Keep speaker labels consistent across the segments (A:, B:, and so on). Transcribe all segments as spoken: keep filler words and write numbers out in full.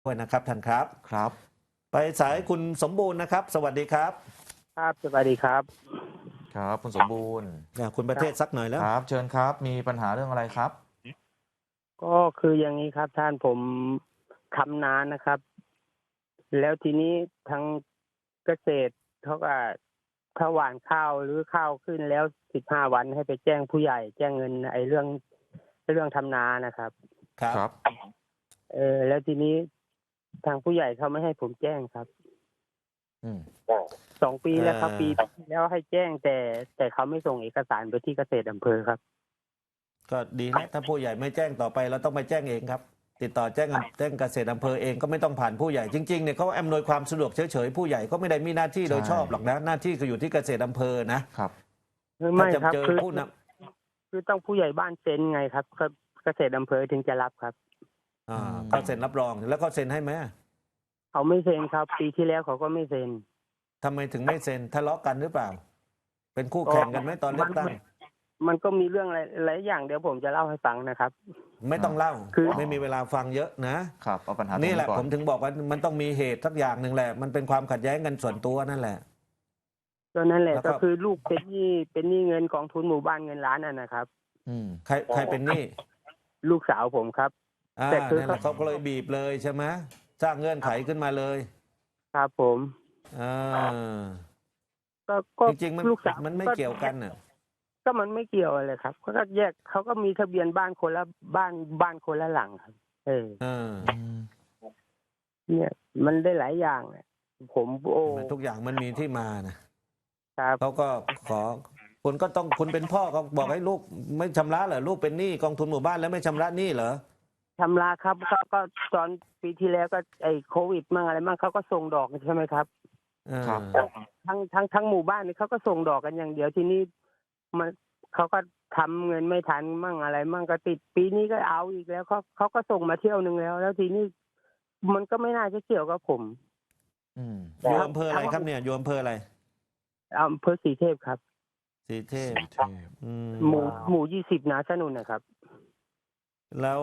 A: ด้วยนะครับท่านครับ
B: ครับ
A: ไปสายคุณสมบูรณ์นะครับสวัสดีครับ
C: ครับสวัสดีครับ
B: ครับคุณสมบูรณ์
A: อ่าคุณประเทศสักหน่อยแล้ว
B: ครับเชิญครับมีปัญหาเรื่องอะไรครับ
C: ก็คืออย่างนี้ครับท่านผมทำนานะครับแล้วทีนี้ทางเกษตรเขาก็ถ้าหว่านข้าวหรือข้าวขึ้นแล้วสิบห้าวันให้ไปแจ้งผู้ใหญ่แจ้งเงินไอ้เรื่องเรื่องทำนานะครับ
A: ครับ
B: ครับ
C: เออแล้วทีนี้ทางผู้ใหญ่เขาไม่ให้ผมแจ้งครับ
B: อืม
C: สองปีแล้วครับปีที่แล้วให้แจ้งแต่แต่เขาไม่ส่งเอกสารไปที่เกษตรอำเภอครับ
A: ก็ดีนะถ้าผู้ใหญ่ไม่แจ้งต่อไปเราต้องไปแจ้งเองครับติดต่อแจ้งแจ้งเกษตรอำเภอเองก็ไม่ต้องผ่านผู้ใหญ่จริงๆเนี่ยเขาอำนวยความสะดวกเฉยๆผู้ใหญ่ก็ไม่ได้มีหน้าที่โดยชอบหรอกนะหน้าที่ก็อยู่ที่เกษตรอำเภอนะครับ
C: ไม่ครับ
A: ถ้าจะเจอ
C: คือ
A: ผู้น
C: คือต้องผู้ใหญ่บ้านเซ็นไงครับเกษตรอำเภอถึงจะรับครับ
A: ำอ่าก็เซ็นรับรองแล้วก็เซ็นให้ไหม
C: เขาไม่เซ็นครับ ปีที่แล้วเขาก็ไม่เซ็น
A: ทำไมถึงไม่เซ็นทะเลาะกันหรือเปล่า เป็นคู่แข่งกันไหมตอนเลือกตั้ง
C: มันมันก็มีเรื่องอะไรหลายอย่างเดี๋ยวผมจะเล่าให้ฟังนะครับ
A: ไม่ต้องเล่า
C: คือ
A: ไม่มีเวลาฟังเยอะนะครับ
B: เอาปัญหาตรง
A: นี่
B: นี้
A: แหละ
B: ก่อ
A: ผ
B: น
A: มถึงบอกว่ามันต้องมีเหตุสักอย่างหนึ่งแหละมันเป็นความขัดแย้งกันส่วนตัวนั่นแหละ
C: ก็นั่นแหละ
A: แล้วก็
C: ก็คือลูกเป็นหนี้เป็นหนี้เงินกองทุนหมู่บ้านเงินล้านน่ะนะครับ
B: อืม
A: ใครใครเป็นหนี้
C: ลูกสาวผมครับ
A: อ่า
C: แต่คือ
A: นั่นแหละเขาก็เลยบีบเลยใช่ไหมสร้างเงื่อนไขขึ้นมาเลย
C: ครับผม
A: อ่า
C: ก็ก็
A: จริงๆมัน
C: ลูกสาว
A: มันไม่เกี่ยวกันน่ะ
C: ก็มันไม่เกี่ยวอะไรครับเขาก็แยกเขาก็มีทะเบียนบ้านคนละบ้านบ้านคนละหลังครับ เออ
A: เออ
C: เนี่ย มันได้หลายอย่างเนี่ยผมโอ้
A: ทุกอย่างมันมีที่มานะครับ เขาก็ขอคุณก็ต้องคุณเป็นพ่อก็บอกให้ลูกไม่ชำระเหรอลูกเป็นหนี้กองทุนหมู่บ้านแล้วไม่ชำระหนี้เหรอ
C: ชำระครับก็ก็ตอนปีที่แล้วก็ไอ้โควิดมั่งอะไรมั่งเขาก็ส่งดอกใช่ไหมครับ
A: เออ
B: ครับ
C: ทั้งทั้งทั้งหมู่บ้านนี่เขาก็ส่งดอกกันอย่างเดียวทีนี้มันเขาก็ทำเงินไม่ทันมั่งอะไร มั่งก็ติดปีนี้ก็เอาอีกแล้วเขาเขาก็ส่งมาเที่ยวหนึ่งแล้ว แล้วทีนี้มันก็ไม่น่าจะเกี่ยวกับผม
B: อืม
A: อยู่อำเภออะไรครับเนี่ยอยู่อำเภออะไร
C: อำเภอสีเทพครับ
A: สีเทพ
B: เทพ
A: อืม
C: หมู่หมู่ยี่สิบนาสนุนนะครับ
A: แล้ว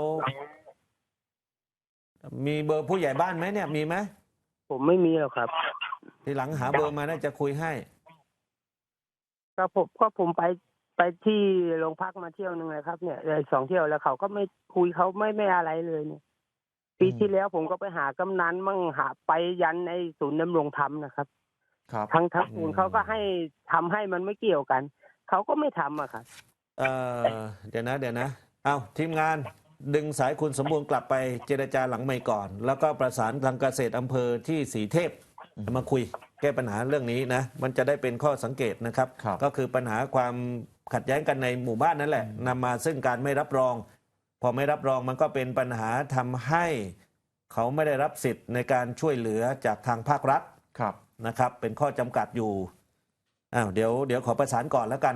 A: มีเบอร์ผู้ใหญ่บ้านไหมเนี่ยมีไหม
C: ผมไม่มีหรอกครับ
A: ทีหลังหาเบอร์มาน่าจะคุยให้
C: ก็ผมก็ผมไปไปที่โรงพักมาเที่ยวหนึ่งเลยครับเนี่ยเลยสองเที่ยวแล้วเขาก็ไม่คุยเขาไม่ไม่อะไรเลยเนี่ย ปีที่แล้วผมก็ไปหากำนันมั่งหาไปยันในศูนย์ดำรงธรรมนะครับ
B: ครับ
C: ทั้งทั้งศูนย์เขาก็ให้ทำให้มันไม่เกี่ยวกันเขาก็ไม่ทำอะครับ
A: เออเดี๋ยวนะเดี๋ยวนะ เอาทีมงานดึงสายคุณสมบูรณ์กลับไปเจรจาหลังไมค์ก่อน แล้วก็ประสานทางเกษตรอำเภอที่สีเทพมาคุยแก้ปัญหาเรื่องนี้นะ มันจะได้เป็นข้อสังเกตนะครับ
B: ครับ
A: ก็คือปัญหาความขัดแย้งกันในหมู่บ้านนั่นแหละนำมาซึ่งการไม่รับรอง พอไม่รับรองมันก็เป็นปัญหาทำให้เขาไม่ได้รับสิทธิ์ในการช่วยเหลือจากทางภาครัฐ
B: ครับ
A: นะครับ เป็นข้อจำกัดอยู่อ้าวเดี๋ยวเดี๋ยวขอประสานก่อนแล้วกัน